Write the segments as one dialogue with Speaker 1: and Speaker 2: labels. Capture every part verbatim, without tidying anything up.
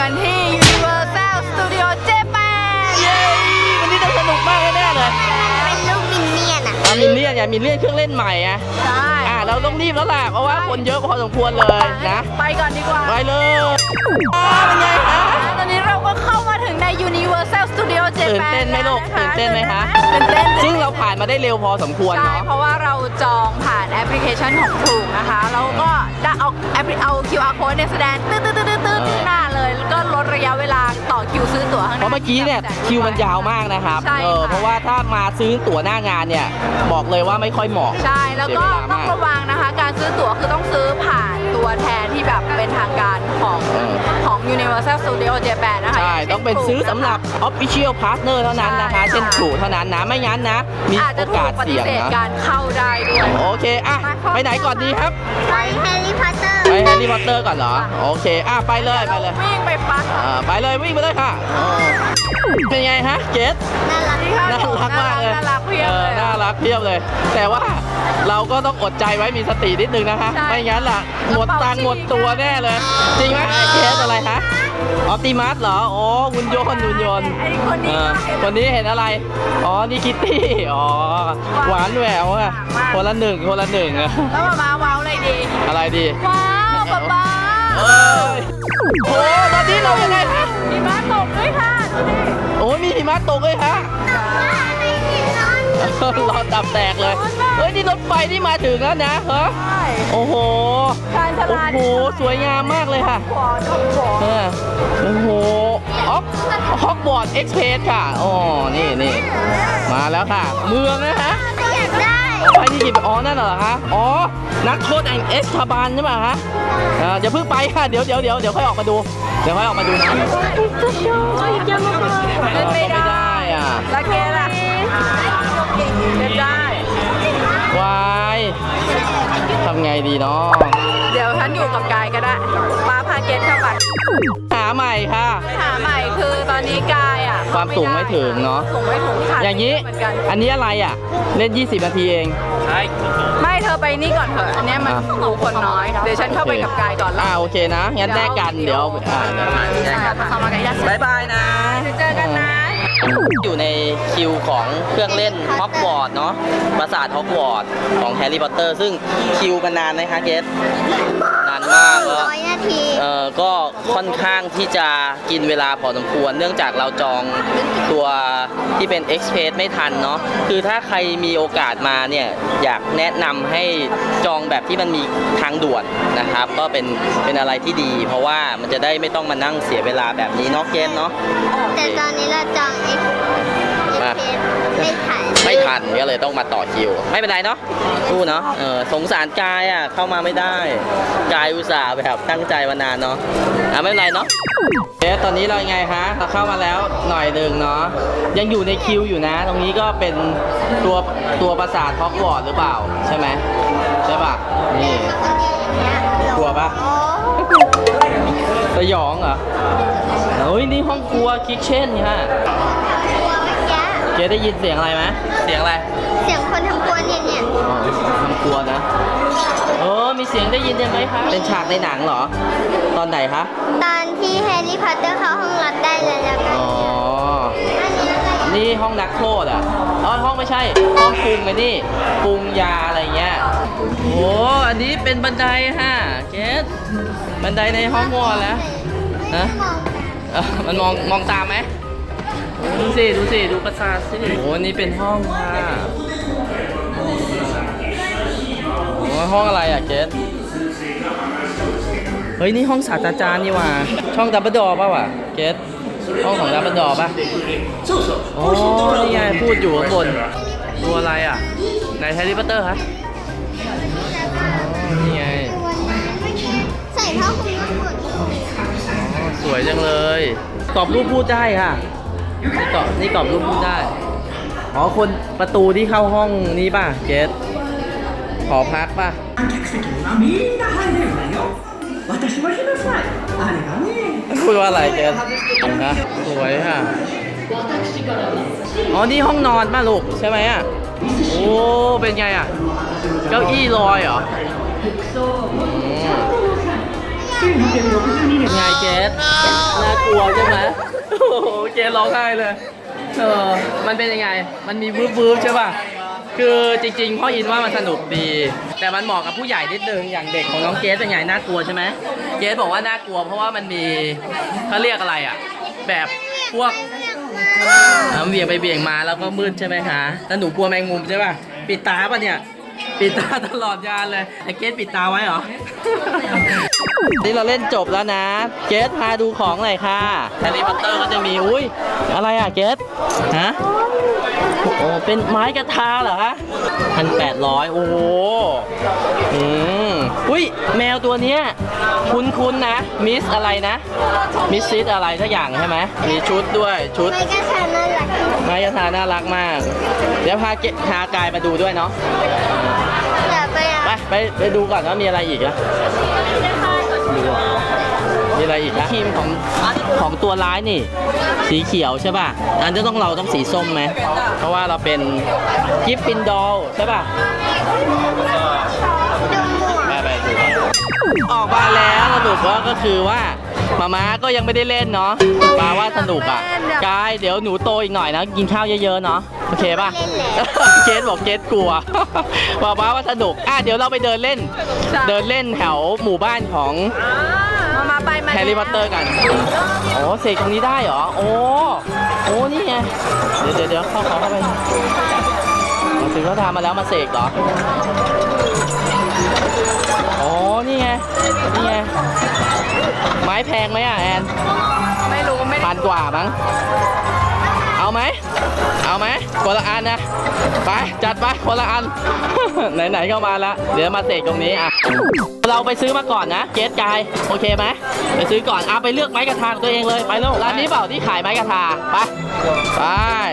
Speaker 1: กันที่ Universal Studio Japan
Speaker 2: เย้วันนี้ต้องสนุกมากแน่เลย
Speaker 3: เป็นลูกมินเนี่ยนอ่ะ
Speaker 2: อ่ะมินเนี่ยนอย่ามินเนี่ยนเครื่องเล่นใหม่อ่ะ
Speaker 1: ใช่
Speaker 2: อ่ะเราต้องรีบแล้วล่ะเพราะว่าคนเยอะพอสมควรเลยนะ
Speaker 1: ไปก่อนดีกว่า
Speaker 2: ไปเลยเป็นไงคะ
Speaker 1: ตอนนี้เราก็เข้ามาถึงใน Universal Studio Japan
Speaker 2: ตื่นเต้นไหมลูกตื่นเต้นไหมคะ
Speaker 1: ตื่นเต้น
Speaker 2: ซึ่งเราผ่านมาได้เร็วพอสมควรเนาะ
Speaker 1: เพราะว่าเราจองผ่านแอปพลิเคชันของถูกนะคะแล้วก็ได้เอาแอปเอา คิว อาร์ code เนี่ยแสดงตื้อตื้อตื้อตื้อที่หน้าเลยแล้วก็ลดระยะเวลาต่อคิวซื้อตั๋วข้างหน้า
Speaker 2: เพราะเมื่อกี้เนี่ยคิวมันยาวมากนะครับเออเพราะว่าถ้ามาซื้อตั๋วหน้างานเนี่ยบอกเลยว่าไม่ค่อยเหมาะ
Speaker 1: ใช่แล้วก็ต้องระวังนะคะการซื้อตั๋วคือต้องซื้อผ่านตัวแทนที่แบบเป็นทางการของของ Universal Studio Japan นะคะ
Speaker 2: ใช่ต้องเป็นซื้อสำหรับ Official Partner เท่านั้นนะคะเช่นถูกเท่านั้นนะไม่งั้นนะมีโอกาสเสี่ยงนะ
Speaker 1: การเข้าได้ด้วย
Speaker 2: โอเคอ่ะไปไหนก่อนดีครับ
Speaker 3: ไปแฮร์รี่พอตเตอร์
Speaker 2: ไปแฮร์รี่พอตเตอร์ก่อนเหรอโอเคอ่ะไปเลยไปเลย
Speaker 1: วิ่งไปปัก
Speaker 2: อ่าไปเลยวิ่งไปเลยค่ะเป็นไงฮะเกส
Speaker 3: น่ารัก
Speaker 2: น่ารักมากเลย
Speaker 1: น่ารักเพียบเลย
Speaker 2: น่ารักเพียบเลยแต่ว่าเราก็ต้องอดใจไว้มีสตินิดนึงนะคะไม่งั้นล่ะหมดตังค์หมดตัวแน่เลยจริงไหมเกสอะไรฮะออปติมัสเหรออ๋อหุ่นยนต์หุ่นยนต์คนนี้เห็นอะไรอ๋อนี่คิตตี้อ๋อหวานแหววอ่ะคนละหนึ่งคนละหนึ่งอะ
Speaker 1: แล้วมาว้าวอะไรดี
Speaker 2: อะไรดี
Speaker 1: ว้าวป๊าป๊า
Speaker 2: โอ้ตอนนี้เรายังไงคะ
Speaker 1: หิมะตกด้วยค่ะ
Speaker 2: โอ้มีหิมะตกเลยฮะรอตับแตกเลยเฮ้ยนี่รถไฟที่มาถึงแล้วนะเหรอโอ้โหโอ้โหสวยงามมากเลยค่ะโอ้โหออฟฮอกวอตส์เอ็กซ์เพรสค่ะอ๋อนี่นี่มาแล้วค่ะเมืองนะฮะ
Speaker 3: อยากได้
Speaker 2: ไปที่หยิบอ๋อนั่นเหรอคะอ๋อนักโทษแห่งเอสคาบานใช่ไหมฮะอย่าเพิ่งไปค่ะเดี๋ยวเดี๋ยวเดี๋ยวเดี๋ยวค่อยออกมาดูเดี๋ยวค่อยออกมาดูนะ
Speaker 1: ไม่ได้
Speaker 2: อ่ะ
Speaker 1: ลาเกล่ะไม่ได้
Speaker 2: วายทำไงดีเนาะ
Speaker 1: เดี๋ยวฉันอยู่กับกายก็ได้ป้าพาเกตเข้าไป
Speaker 2: หาใหม่ค่ะ
Speaker 1: หาใหม่คือตอนนี้กายอ่ะ
Speaker 2: ความสูงไม่ถึงเนาะ
Speaker 1: สูงไม่ถึงค่ะ
Speaker 2: อย่างนี้อันนี้อะไรอ่ะเล่นยี่สิบนาทีเองใช่
Speaker 1: ไม่เธอไปนี่ก่อนเถอะอันนี้มันหมู่คนน้อยเดี๋ยวฉันเข้าไปกับกายก่อน
Speaker 2: อ่าโอเคนะงั้นแลกกันเดี๋ยวอ่าแลกกันบายบายนะ
Speaker 1: เจอกันนะ
Speaker 2: อยู่ในคิวของเครื่องเล่นฮอกวอตส์เนาะปราสาทฮอกวอตส์ของแฮร์รี่พอตเตอร์ซึ่งคิวมันนานไหมคะเกสนานมากก็
Speaker 3: ร้อยนาที
Speaker 2: เออก็ค่อนข้างที่จะกินเวลาพอสมควรเนื่องจากเราจองตัวที่เป็น Express ไม่ทันเนาะคือถ้าใครมีโอกาสมาเนี่ยอยากแนะนำให้จองแบบที่มันมีทางด่วนนะครับก็เป็นเป็นอะไรที่ดีเพราะว่ามันจะได้ไม่ต้องมานั่งเสียเวลาแบบนี้เนาะเกสเนาะ
Speaker 3: แต่ตอนนี้เราจองเอ็กซ์ไม่ทัน
Speaker 2: ไม่ทันก็เลยต้องมาต่อคิวไม่เป็นไรเนาะสู้เนาะเออสงสารกายอ่ะเข้ามาไม่ได้กายอุตส่าห์แบบตั้งใจมานานเนาะอ่ะไม่เป็นไรเนาะเอ๊ะตอนนี้เราไงฮะเราเข้ามาแล้วหน่อยหนึ่งเนาะยังอยู่ในคิวอยู่นะตรงนี้ก็เป็นตัวตัวปราสาทฮอกวอตส์หรือเปล่าใช่ไหมใช่ป่ะนี่กลัวป่ะสยองเหรอเฮ้ยนี่ห้องครัวคิทเช่นค่ะเจ๊ได้ยินเสียงอะไรไหมเสียงอะไร
Speaker 3: เสียงคนทำครัวเนี่ยเนี่ย
Speaker 2: อ๋อทำครัวนะเออมีเสียงได้ยินยังไหมคะเป็นฉากในหนังเหรอตอนไหนคะ
Speaker 3: ตอนที่แฮร์รี่พอตเตอร์เข้าห้องรับได้แล้วแล้วก็
Speaker 2: อ๋อนี่ห้องนักโทษอ่ะอ๋อห้องไม่ใช่ห้องปรุงไงนี่ปรุงยาอะไรเงี้ยโอ้อันนี้เป็นบันไดฮะเกสบันไดในห้องวอลแล้วนะมันมองมองตามไหมดูสิดูสิดูปราสาทสิโอ้นี่เป็นห้องค่ะโอ้ห้องอะไรอ่ะเกสเฮ้ยนี่ห้องศาสตราจารย์นี่ว่าช่องดับเบิลดอร์ป่ะวะเกสห้องของดับเบิลดอร์ป่ะโอ้นี่ไงพูดอยู่ข้างบนตัวอะไรอ่ะไหนแฮร์รี่พอตเตอร์คะนี่ไง
Speaker 3: ใส่ผ้าคลุมทั้งหมด
Speaker 2: สวยจังเลยกรอบรูปพูดได้ค่ะนี่กรอบนี่กรอบรูปพูดได้อ๋อคนประตูที่เข้าห้องนี้ป่ะเกสขอพักป่ะพูดว่าอะไรเกสนะสวยค่ะอ๋อนี่ห้องนอนป่ะลูกใช่ไหมอ่ะโอ้เป็นไงอ่ะเก้าอี้ลอยเหรอไงเกสน่ากลัวใช่ไหมโอ้โหเกสร้องไห้เลยเออมันเป็นยังไงมันมีวืบวืบใช่ป่ะคือจริงๆพ่ออินว่ามันสนุกดี แต่มันเหมาะกับผู้ใหญ่นิดนึงอย่างเด็กของน้องเกสเป็นไงน่ากลัวใช่ไหมเกสบอกว่าน่ากลัวเพราะว่ามันมีเขาเรียกอะไรอ่ะแบบพวกอ่าเบี่ยงไปเบี่ยงมาแล้วก็มืดใช่ไหมคะแล้วหนูกลัวแมงมุมใช่ป่ะปิดตาป่ะเนี่ยปิดตาตลอดยานเลยไอ้เกสปิดตาไว้เหรอ นี่เราเล่นจบแล้วนะเกสพาดูของหน่อยค่ะแฮร์รี่พอตเตอร์ก็จะมีอุ้ยอะไรอ่ะเกสฮะโอ้เป็นไม้กระทาเหรอคะพันแปดร้อยโอ้โหอืมอุ้ยแมวตัวเนี้ยคุ้นๆนะมิสอะไรนะมิสซิสอะไรสักอย่างใช่ไหมมีชุดด้วยชุด
Speaker 3: ไม่กระชาน่ารัก
Speaker 2: ไม้กระทาน่ารักมากเดี๋ยวพาเกพากายมาดูด้วยเนาะ
Speaker 3: อย่าไปอ่ะ
Speaker 2: ไปไปไปดูก่อนว่ามีอะไรอีกอะมีอะไรอีกนะทีมของของตัวร้ายนี่ สีเขียวใช่ป่ะอันจะต้องเราต้องสีส้มไหมเพราะว่าเราเป็นกิฟฟินดอลใช่ป่ะ
Speaker 3: ดูหมวก
Speaker 2: ไปไปดูก่อนออกมาแล้วสรุปว่าก็คือว่ามาม่าก็ยังไม่ได้เล่นเนาะปาว่าสนุกอ่ะกายเดี๋ยวหนูโตอีกหน่อยนะกินข้าวเยอะๆเนาะโอเคป่ะ เกสบอกเกสกลัวปาป้าว่าสนุกอ่ะเดี๋ยวเราไปเดินเล่น เดินเล่นแถวหมู่บ้านของ
Speaker 1: มามาไปมา
Speaker 2: แฮร์รี่พอตเตอร์กันโอ้เสกตรงนี้ได้เหรอโอ้โอ้นี่ไงเดี๋ยวเดี๋ยวเดี๋ยวเข้าเขาเข้าไปถึงเขาทำมาแล้วมาเสกเหรอโอ้นี่ไงนี่ไงไม้แพงไหมอ่ะแอน
Speaker 1: ไม่รู้ไม่ได้
Speaker 2: พันกว่ามั้งเอาไหมเอาไหมคนละอันนะไปจัดไปคนละอัน ไหนๆเข้ามาแล้วเดี๋ยวมาเสกตรงนี้อ่ะเราไปซื้อมาก่อนนะเกสกายโอเคไหมไปซื้อก่อนเอาไปเลือกไม้กระทาตัวเองเลยไปลูกร้านนี้เปล่าที่ขายไม้กระทาไปไป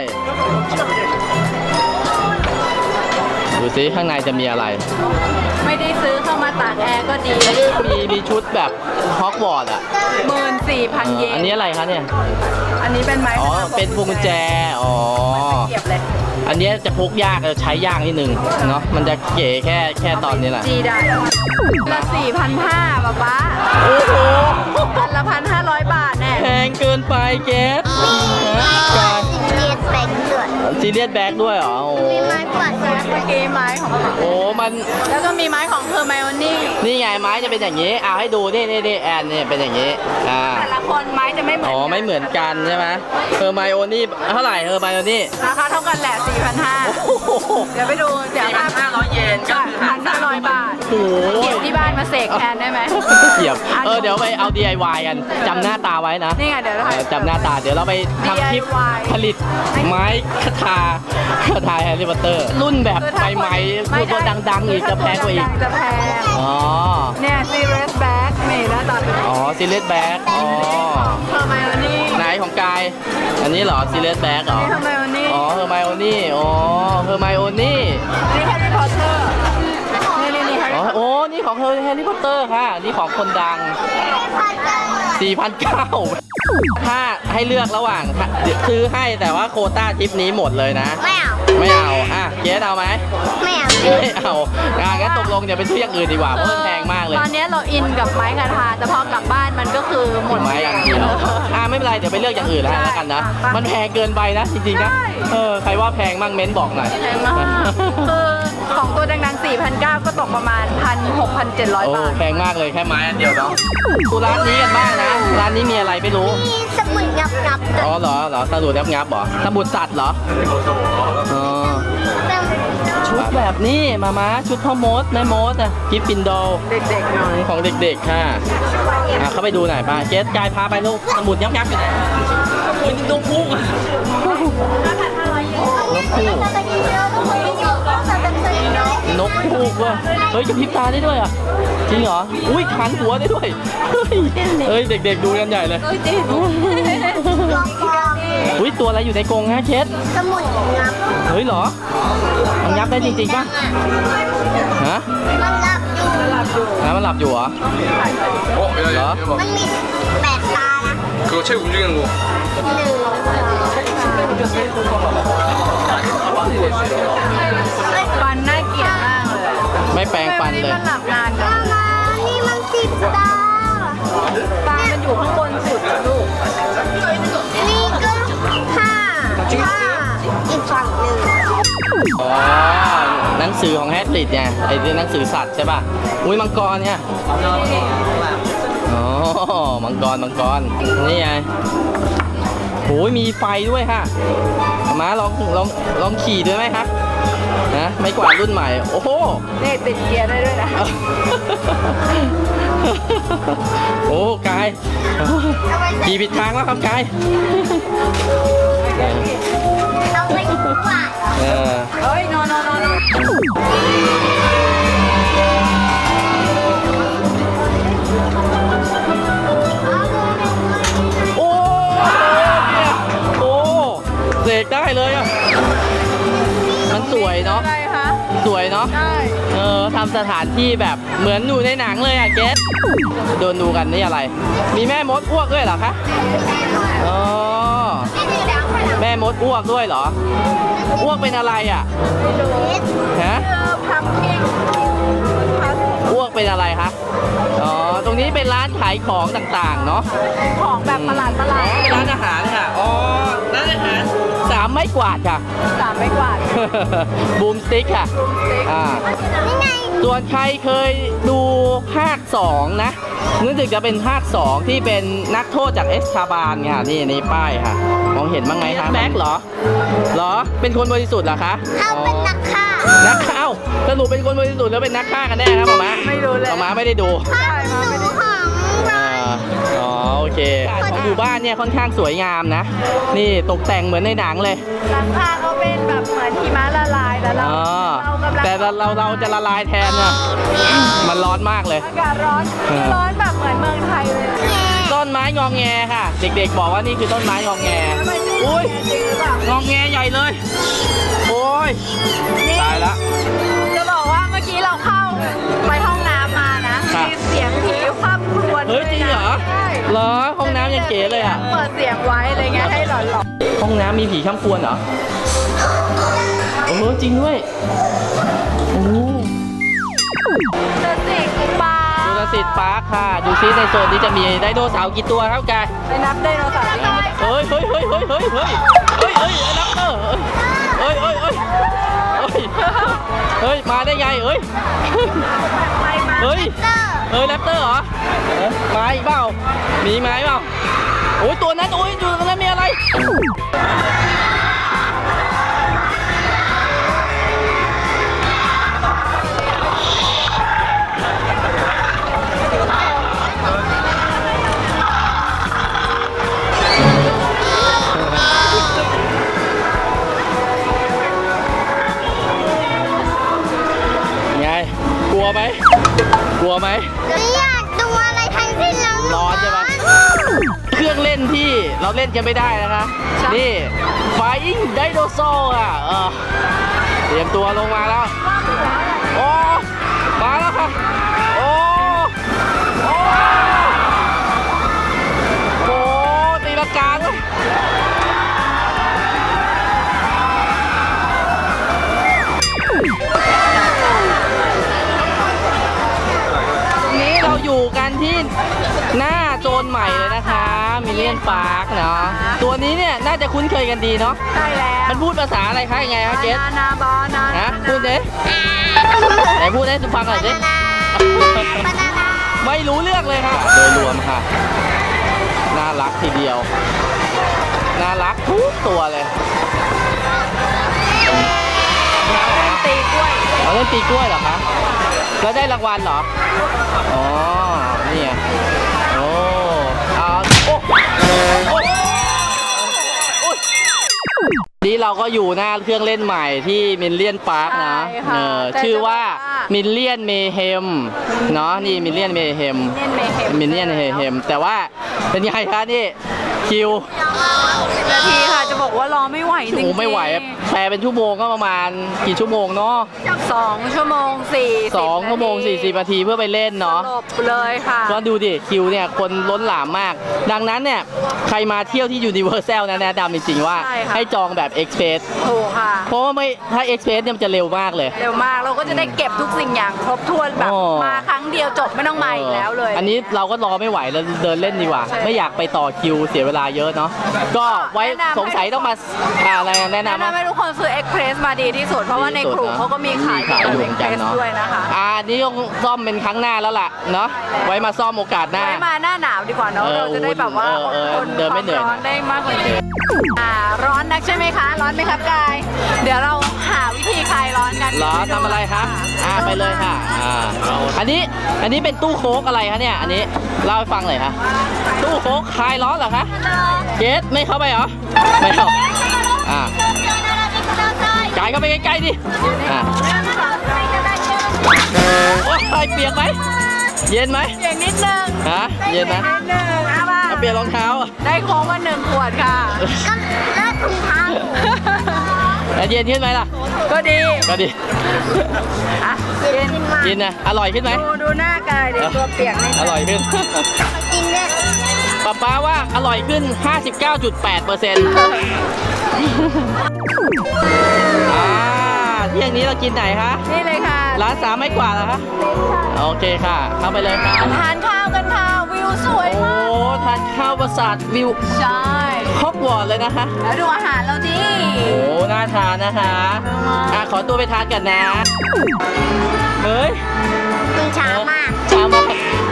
Speaker 2: ดูซิข้างในจะมีอะไร
Speaker 1: ไม่ได้ซื้อเข้ามาตากแอร์ก็ดี
Speaker 2: มีมีชุดแบบฮอกวอตส์อ่ะ
Speaker 1: หมื่นสี่พัน
Speaker 2: เอ
Speaker 1: เย
Speaker 2: อน อันนี้อะไรคะเนี่ย
Speaker 1: อันนี้เป็นไม้
Speaker 2: อ๋อเป็นพวงกุญแจอ๋อ
Speaker 1: เก็บเลย
Speaker 2: อันนี้จะพกยากใช้ยากนิดนึงเนาะมันจะเก๋แค่แค่ตอนนี้แหละ
Speaker 1: จีได้ละสี่พันห้าป๊าป๊า
Speaker 2: โอ้โห
Speaker 1: พันละพันห้าร้อยบาทแน่
Speaker 2: แพงเกินไปเกส
Speaker 3: กาซีเรียสแบงค์ด้วย
Speaker 2: ซีเรียสแบ็กด้วยเหรอโอ้
Speaker 3: มีไม้กวาดสาร
Speaker 1: เมื่อกี้ไม้ของ
Speaker 2: โอ้มัน
Speaker 1: แล้วก็มีไม้ของเฮอร์ไมโอนี่
Speaker 2: นี่ไงไม้จะเป็นอย่างนี้เอาให้ดูนี่นี่นี่แอนนี่เป็นอย่างนี้อ่า
Speaker 1: แต่ละคนไม้จะไม่เหมือน
Speaker 2: อ๋อไม่เหมือนกันใช่ไหมเฮอร์ไมโอนี่เท่าไหร่เฮอร์ไมโอนี่
Speaker 1: ราคาเท่ากันแหละสี่พันห้า
Speaker 2: โอ้โห
Speaker 1: เดี๋ยวไปดูเดี๋ยว
Speaker 2: สี่พันห้าร้อยเยนก็คือหา
Speaker 1: พันห้าร้อยบาท
Speaker 2: โอ้โห
Speaker 1: เก็บที่บ้านมาเสกแทนได้ไหม
Speaker 2: เกียบเออเดี๋ยวไปเอา ดี ไอ วาย กันจำหน้าตาไว้นะ
Speaker 1: นี่ไงเดี๋ยวเรา
Speaker 2: เออจำหน้าตาเดี๋ยวเราไปทำคลิป
Speaker 1: ดี ไอ วาย
Speaker 2: ผลิตไม้คาถาคาถาแฮร์รี่พอตเตอร์รุ่นแบบใหม่ๆพูดว่าดังๆอีกจะแพงกว่าอีก
Speaker 1: จะแพง
Speaker 2: อ๋อ
Speaker 1: เนี่ยซีเรสแบ็กนี่หน้าตาเป็น
Speaker 2: อ๋อซีเรียสแบ็กอ๋อ
Speaker 1: เฮอร์ไมโอนี่
Speaker 2: ไหนของกายอันนี้เหรอซีเรียสแบ็กเหรอ
Speaker 1: นี่เฮอร์ไมโอนี่
Speaker 2: อ๋อเฮอร์ไมโอนี่อ๋อเฮอร์ไมโอนี่
Speaker 1: นี่แฮร์รี่พอตเตอร์นี่นี่นี่แฮร์
Speaker 2: อ๋อ
Speaker 1: รี่
Speaker 2: โอ้นี่ของเฮอร์แฮร์รี่พอตเตอร์ค่ะนี่ของคนดัง สี่พันเก้าร้อย ถ้าให้เลือกระหว่างซื้อให้แต่ว่าโควต้าทริปนี้หมดเลยนะ
Speaker 3: ไม่เอา
Speaker 2: ไม่เอาอ่ะเกสเอาไหม
Speaker 3: ไม่เอา
Speaker 2: ไม่เอาอ่ะงั้นตกลงอย่าไปซื้ออย่างอื่นดีกว่าเพราะมันแพงมากเลย
Speaker 1: ตอนนี้เราอินกับไม้กระทาแต่พอกลับบ้านมันก็คือหมด
Speaker 2: ไม้อย่างเดียวอ่ะไม่เป็นไรเดี๋ยวไปเลือกอย่างอื่นแล้วแล้วกันนะ มันแพงเกินไปนะจริงๆนะเออใครว่าแพงมั่งเม้นบอกหน่อย
Speaker 1: แพงมากคือของตัวดังๆ สี่พันเก้าร้อย ก็ตกประมาณ พันหกพันเจ็ดร้อย
Speaker 2: โอ้
Speaker 1: บาท
Speaker 2: แพงมากเลยแค่ไม้อันเดียวเนาะดูร้านนี้กันบ้างนะร้านนี้มีอะไรไม่รู้
Speaker 3: มีสมุนงับงับๆด้วย
Speaker 2: อ๋อเหรอเหรอสมุดงับงับเหรอสมุดสัตว์เหรออ๋อ
Speaker 3: แต่
Speaker 2: ชุดแบบนี้มาม้าชุดพ่อมดแม่มดอะกิฟฟินโด
Speaker 1: เด็กๆหน่อย
Speaker 2: ของเด็กๆค่ะอ่ะเข้าไปดูหน่อยป้าเกสกายพาไปลูกสมุดยับยับอยู่ไหนโอ้ยนกพุ่งอะนกพุ่งนกพุ่งว่ะเฮ้ยกระพริบตาได้ด้วยอ่ะจริงเหรออุ้ยคันหัวได้ด้วยเฮ้ยเฮ้ยเด็กๆดูกันใหญ่เลย
Speaker 1: เอ้ยจริง
Speaker 2: อุ้ยตัวอะไรอยู่ในกรงฮะเคส
Speaker 3: สมุนงับ
Speaker 2: เฮ้ยเหรอมันยับได้จริงๆป่ะฮะ
Speaker 3: มันงับอยู่
Speaker 2: นะมันหลับอยู่เหรอ
Speaker 4: 어, 야, 야, 야, 봐.
Speaker 3: มันมีแปดตานะ
Speaker 4: 그거 책 움직이는 거.
Speaker 3: หนึ่งสอง
Speaker 1: ฟันน่าเกลียดมากเลย
Speaker 2: ไม่แปรงฟันเลย
Speaker 1: ทำไมวันนี้มันหลับนานจัง
Speaker 3: มานี่มันสิบตา
Speaker 1: ปลามันอยู่ข้างบนสุดอะลูก
Speaker 3: นี่ก็ผ้าผ้าอีกฝั่งหนึ่ง
Speaker 2: อ๋อหนังสือของแฮร์ริดเนี่ยไอ้ที่หนังสือสัตว์ใช่ป่ะอุ้ยมังกรเนี่ยอ๋อมังกรมังกรนี่ไงโหมีไฟด้วยค่ะมาลองลองลองขี่ด้วยไหมคะนะไม่กวาดรุ่นใหม่โอ้โห
Speaker 1: นี่ติดเกียร์ได้ด้วยนะ
Speaker 2: โอ้กายขี่ผิดทางแล้วครับกาย
Speaker 3: เราไปกวาด
Speaker 2: เออ
Speaker 1: เฮ้ยนอนนอนนอน
Speaker 2: โอ้เนี่ยโอ้เสกได้เลยอ่ะมันสวยเนาะ
Speaker 1: อะไรคะ
Speaker 2: สวยเนาะ
Speaker 1: ได้
Speaker 2: เออทำสถานที่แบบเหมือนอยู่ในหนังเลยอ่ะเกสโดนดูกันนี่อะไร มีแม่มดอ้วกด้วยเหรอคะอ๋อแม่มดอ้วกด้วยเหรออ้วกเป็นอะไรอ่ะฮะ
Speaker 1: เออพัมคิง
Speaker 2: อ้วกเป็นอะไรคะอ๋อตรงนี้เป็นร้านขายของต่างๆเนาะ
Speaker 1: ของแบบประหลาดประหลาด
Speaker 2: เป็นร้านอาหารค่ะอ๋อร้านอาหารสามไม้กวาดค่ะ
Speaker 1: สามไม่กวาด
Speaker 2: บูมสติ๊กค่ะ อ่า
Speaker 3: นี่ไง
Speaker 2: ส่วนใครเคยดูภาคสองนะนึกถึงจะเป็นภาคสองที่เป็นนักโทษจากเอสคาบานค่ะนี่นี่ป้ายค่ะ มองเห็นบ้างไหมคะแบ็คเหรอ เหรอ เป็นคนบริสุทธิ์เหรอคะ
Speaker 3: เขาเป็นนักฆ่า
Speaker 2: นักฆ่าเอ้าสรุปเป็นคนบริสุทธิ์แล้วเป็นนักฆ่ากันแน่ครับหมอม้า
Speaker 1: ไม่รู้เลย
Speaker 2: หมอม้าไม่ได้ดู
Speaker 3: ผ้าหนูของเรา
Speaker 2: อ่าอ๋อโอเคของหมู่บ้านเนี่ยค่อนข้างสวยงามนะ นี่ตกแต่งเหมือนในหนังเลย
Speaker 1: หลังคาเขาเป็นแบบเหมือนหิมะละลายแต่เรา
Speaker 2: อ๋อ
Speaker 1: เรากำลัง
Speaker 2: แต่เราเราเราจะละลายแทนเนี่ยมันร้อนมากเลย
Speaker 1: อากาศร้อน
Speaker 2: เออ
Speaker 1: ร้อนแบบเหมือนเมืองไทยเลย
Speaker 2: ต้นไม้งองแงค่ะ เด็กๆบอกว่านี่คือต้นไม้งองแง
Speaker 1: ไม่ใช่
Speaker 2: อุ้ย
Speaker 1: จริงหรือเปล่าง
Speaker 2: องแงใหญ่เลย โอ้ย
Speaker 1: นี่
Speaker 2: ตายละ
Speaker 1: จะบอกว่าเมื่อกี้เราเข้าไปห้องน้ำมานะครับ มีเสียงผีคว่ำครวญ
Speaker 2: เฮ้ยจริงเหรอ
Speaker 1: ใช่
Speaker 2: เหรอห้องน้ำยังเก๋เลยอ่ะ
Speaker 1: เปิดเสียงไว้อะไรเงี้ยให้หลอน
Speaker 2: ห้องน้ำมีผีข้ามควนเหรอโอ้โหจริงด้วยโอ้โห
Speaker 1: ๆจะสิกปลา
Speaker 2: ดูรสิตปาร์คค่ะ ดูซิในโซนนี้จะมีไดโนเสาร์กี่ตัวครับกาย
Speaker 1: ไปนับไดโนเสาร์ได้
Speaker 2: เฮ้ยเฮ้ยเฮ้ยเฮ้ยเฮ้ยเฮ้ยเฮ้ยเฮ้ยนักเตอร์เฮ้ยเฮ้ยเฮ้ยเฮ้ยเฮ้ยมาได้ไงเฮ้ย
Speaker 1: ไปมา
Speaker 2: เฮ้ย
Speaker 3: เตอร์
Speaker 2: เฮ้ยแรปเตอร์เหรอเอ้ยมาอีกเปล่ามีไหมเปล่าโอ้ยตัวนั้นโอ้ยอยู่ตรงนั้นมีอะไรไงกลัวไหมกลัวไหม
Speaker 3: ไม่อยากดูอะไรทั้งสิ้นแล้ว
Speaker 2: ร้อนใช่ไหม เครื่องเล่นที่เราเล่นกันไม่ได้นะคะ นี่ Flying Dinosaur อ่ะเออเตรียมตัวลงมาแล้ว โอ้ มาแล้วค่ะ โอ้ โอ้โหตีลังกาด้วยนี้เราอยู่กันที่หน้าโซนใหม่เลยนะคะมิลเลียนพาร์คเนาะตัวนี้เนี่ยน่าจะคุ้นเคยกันดีเนาะ
Speaker 1: ใช่แล้ว
Speaker 2: มันพูดภาษาอะไรคะยังไงคะเกส
Speaker 1: นานาบอนา
Speaker 2: ฮะพูดดิไหนพูดให้ฟังหน่อยสิ
Speaker 3: บานานา
Speaker 2: ไม่รู้เรื่องเลยค่ะ โดยรวมค่ะ น่ารักทีเดียว น่ารักทุกตัวเลย
Speaker 1: ตีกล้วย
Speaker 2: เราเล่นตีกล้วยเหรอคะแล้วได้รางวัลเหรอ อ๋อ นี่ไงโอ้เอาโอ้โอ้โอ้นี่เราก็อยู่หน้าเครื่องเล่นใหม่ที่มิลเลียนพาร์คนะเออชื่อว่ามิลเลียนเมเฮมเนาะนี่มิลเลียนเมเฮม
Speaker 1: เล่นเมเฮม
Speaker 2: มิลเลียนเมเฮมแต่ว่าเป็นไงคะนี่คิว
Speaker 1: สิบนาทีค่ะจะบอกว่าว่ารอไม่ไหวจริง
Speaker 2: โอ้
Speaker 1: ๆ
Speaker 2: ไม่ไหวอะแปลเป็นชั่วโมงก็ประมาณกี่ชั่วโมงเนาะ
Speaker 1: สองชั่วโมงสี่สิบ
Speaker 2: สองชั่วโมงสี่สิบนาทีเพื่อไปเล่นเนาะ
Speaker 1: สลบเลยค่ะ
Speaker 2: ก็ดูดิคิวเนี่ยคนล้นหลามมาก ดังนั้นเนี่ยใครมาเที่ยวที่ Universal นะแนะนำจริงๆว่า
Speaker 1: ใช่ค่ะ
Speaker 2: ให้จองแบบ Express
Speaker 1: ถูกค่ะ
Speaker 2: เพราะว่าไม่ถ้า Express เนี่ยมันจะเร็วมากเลย
Speaker 1: เร็วมากเราก็จะได้เก็บทุกสิ่งอย่างครบถ้วนแบบ
Speaker 2: โอ้
Speaker 1: มาครั้งเดียวจบไม่ต้องมาอีกแล้วเลย
Speaker 2: อันนี้เราก็รอไม่ไหวแล้วเดินเล่นดีกว่า
Speaker 1: ใช่
Speaker 2: ไม่อยากไปต่อคิวเสียเวลาเยอะเนาะก็ไว้
Speaker 1: แนะนำ
Speaker 2: สงสัยต้องมาอ่าอะไรแนะ
Speaker 1: แนะ
Speaker 2: นำ
Speaker 1: นำให้ทุกคนซื้อ Express มาดีที่สุด เพราะว่าในกลุ่มเขาก็มีขาย
Speaker 2: ขายอยู่เหมือนกัน
Speaker 1: Express
Speaker 2: เนาะ
Speaker 1: ด้วยนะคะ
Speaker 2: อ่านี่ต้องซ่อมเป็นครั้งหน้าแล้วล่ะเนาะไว้มาซ่อมโอกาสหน้า
Speaker 1: ไว้มาหน้าหนาวดีกว่าเนาะ
Speaker 2: เออ
Speaker 1: เราจะได้แบบว่า
Speaker 2: เออเออ
Speaker 1: อดทน
Speaker 2: เดินไม่เหนื่อย
Speaker 1: ความร้อนได้มากกว่านี้อ่าร้อนนักใช่ไหมคะ ร้อนไหมครับกาย เดี๋ยวเราหาวิธีคลายร้อนกัน
Speaker 2: เหรอทำอะไรครับอ่าไปเลยค่ะอ่าอันนี้อันนี้เป็นตู้โค้กอะไรคะเนี่ยอันนี้เล่าให้ฟังหน่อยค่ะตู้โค้กคลายร้อนเหรอคะเจสไม่เข้าไปเหรอไม่เข้าอ่ากายเข้าไปใกล้ๆดิอ่าโอ้ยเปียกไหมเย็นไหม
Speaker 1: อย่างนิดนึง
Speaker 2: ฮะเย็นนะ
Speaker 1: นิดนึงเอาป่ะ
Speaker 2: เอาเปลี่ยนรองเท้าอ่ะ
Speaker 1: ได้โค้งมาหนึ่งขวดค่ะ
Speaker 3: ก็เลิกถุงเท้า
Speaker 2: แล้วเย็นขึ้นไหมล่ะ
Speaker 1: ก็ดี
Speaker 2: ก็ดี
Speaker 1: อ่ะเย็น
Speaker 2: เย็นนะอร่อยขึ้นไหม
Speaker 1: ดูดูหน้ากายเดี๋ยวตัวเปียกนิด
Speaker 2: อร่อยขึ้น
Speaker 3: กินด้วย
Speaker 2: ป๊าป๊าว่าอร่อยขึ้น ห้าสิบเก้าจุดแปดเปอร์เซ็นต์ อ่าเที่ยงนี้เรากินไหนคะ
Speaker 1: นี่เลยค่ะ
Speaker 2: ร้านสามไม่กว่าเหรอคะโอเคค่ะ เข้าไปเลยค่ะ
Speaker 1: ทานข้าวกันค่ะวิวสวย
Speaker 2: โอ้
Speaker 1: มาก
Speaker 2: ทานข้าวประสาทวิว
Speaker 1: ใช่
Speaker 2: ฮอกวอตส์เลยนะคะ
Speaker 1: แล้วดูอาหารเราดิ
Speaker 2: โอ้ น่าทานนะคะอ่ะขอตัวไปทานกันนะ เฮ้ย
Speaker 3: กินช้ามาก
Speaker 2: ช้ามาก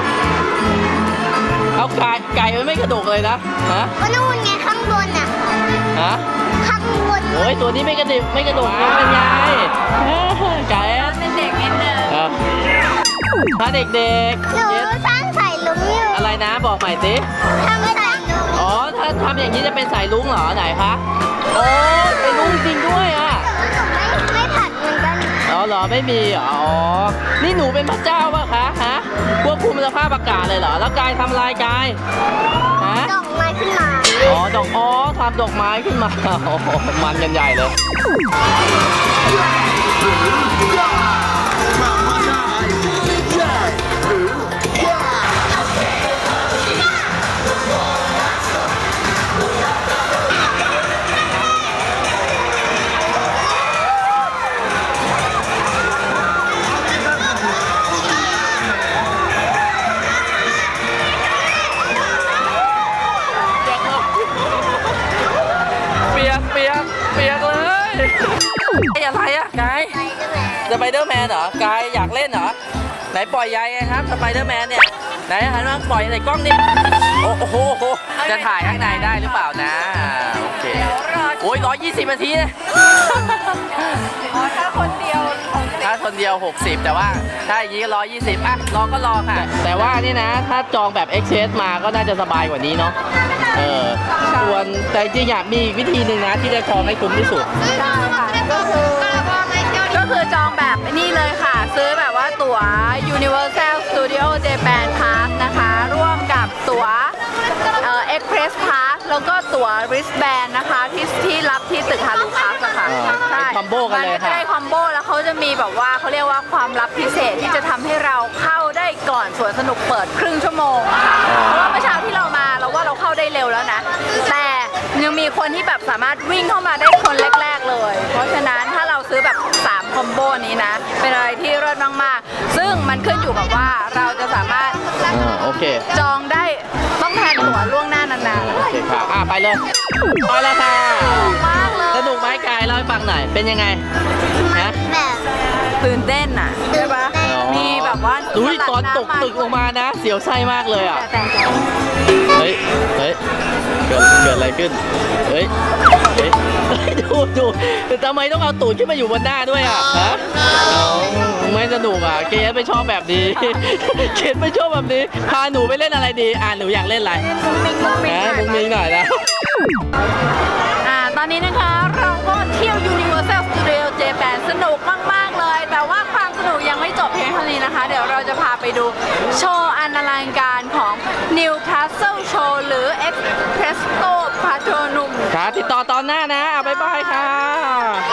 Speaker 2: เอาไก่ไก่มันไม่กระดกเลยนะ ฮะ
Speaker 3: ก็นู่นไงข้างบนอ่ะ
Speaker 2: ฮะ
Speaker 3: ข้างบน
Speaker 2: โอ้ยตัวนี้ไม่กระดิบไม่กระดกนะเป็นไงไก่
Speaker 1: เป็นเด็กนิดนึง
Speaker 2: เออถ้าเด็ก
Speaker 3: หนู
Speaker 2: ๆเย็น
Speaker 3: สร้างใส่ลุงอยู่
Speaker 2: อะไรนะบอกใหม่สิ
Speaker 3: ทำใส่ลุง
Speaker 2: อ๋อ ถ้าทำอย่างนี้จะเป็นสายลุงเหรอไหนคะโอ้เป็นลุงจริงด้วยอ่ะ
Speaker 3: ไม่ไม่ผัดเหมือนกัน
Speaker 2: อ๋อเหรอไม่มีเหรออ๋อ นี่หนูเป็นพระเจ้าป่ะคะฮะควบคุมสภาพอากาศเลยเหรอ แล้วกายทำลายกายฮะ
Speaker 3: ดอกไม้ขึ้นมา
Speaker 2: อ๋อดอกอ๋อทำดอกไม้ขึ้นมา โอ้โหมันกันใหญ่เลย เปียกเปียกเปียกเลยไอ้อะไรอะกายสไปเดอร์แมนเหรอกายอยากเล่นเหรอไหนปล่อยยายไงครับสไปเดอร์แมนเนี่ยไหนหันมาปล่อยในกล้องนี่โอ้โหจะถ่ายข้างในได้หรือเปล่านะโอเคโอ้ยร้อยยี่สิบนาทีนะ
Speaker 1: อ๋อถ้าคนเดียวของเด็ก
Speaker 2: ถ้าคนเดียวหกสิบแต่ว่าถ้าอย่างนี้ก็ร้อยยี่สิบอ่ะรอก็รอค่ะ แต่ว่านี่นะถ้าจองแบบ Express มาก็น่าจะสบายกว่านี้เนาะเออส่วนแต่จริงๆอยากมีอีกวิธีหนึ่งนะที่จะจองให้คุ้มที่สุด
Speaker 1: ใช่ค่ะก็คือก็คือจองแบบนี่เลยค่ะ ซื้อแบบว่าตั๋ว Universal Studio Japan Pass นะคะ ร่วมกับตั๋วเอ่อ Express Pass แล้วก็ตั๋ว wristband นะคะที่ที่รับที่ตึกฮารุคัสอะค่ะ
Speaker 2: อ่า
Speaker 1: ใช่
Speaker 2: เป็นคอมโบกันเลย
Speaker 1: มัก็จะ
Speaker 2: ค่ะ
Speaker 1: ได้คอมโบแล้วเขาจะมีแบบว่าเขาเรียกว่าความลับพิเศษที่จะทำให้เราเข้าได้ก่อนสวนสนุกเปิดครึ่งชั่วโมงอะค่ะเพราะว่าเมื่อเช้าที่เรามาเราว่าเราเข้าได้เร็วแล้วนะ แต่ยังมีคนที่แบบสามารถวิ่งเข้ามาได้คนแรกๆเลย เพราะฉะนั้นถ้าเราซื้อแบบสามคอมโบนี้นะ เป็นอะไรที่เลิศมากๆ ซึ่งมันขึ้นอยู่กับว่าเราจะสามารถ
Speaker 2: อ่าโอเค
Speaker 1: จองได้ต้องแทนตั๋วล่วงหน้านาน
Speaker 2: โอเคค่ะอ่ะไปเลยไปแล้วค่ะ
Speaker 1: ๆมากเลย
Speaker 2: สนุกไหมกายเล่าให้ฟังหน่อยเป็นยังไงฮะ
Speaker 3: แบบ
Speaker 1: ตื่นเต้นอ่ะใช่ปะ
Speaker 2: อ๋อ
Speaker 1: มีแบบว่า
Speaker 2: อุ้ยตอนตกตึกลงมานะ เสียวไส้มากเลยอ่ะ
Speaker 1: แต่แต่
Speaker 2: เฮ้ย เฮ้ย เกิด เกิดอะไรขึ้น เฮ้ย เฮ้ย ดูดูทำไมต้องเอาตูดขึ้นมาอยู่บนหน้าด้วยอ่ะ ฮะเอาไม่สนุกอ่ะ เกสไม่ชอบแบบนี้ เกสไม่ชอบแบบนี้ พาหนูไปเล่นอะไรดี อ่าหนูอยากเล่นอะไร
Speaker 1: มุ้งมิ้งมุ้งมิ้ง
Speaker 2: นะมุ้งมิ้งหน่อยนะ
Speaker 1: อ่าตอนนี้นะคะเราก็เที่ยว Universal Studio Japan สนุกมากๆเลย แต่ว่าความสนุกยังไม่จบเพียงเท่านี้นะคะ เดี๋ยวเราจะพาไปดูโชว์อันอลังการของ Newcastle Showroom หรือ Espresso Patronum
Speaker 2: ค่ะติดต่อตอนหน้านะอ่ะบ๊ายบายค่ะ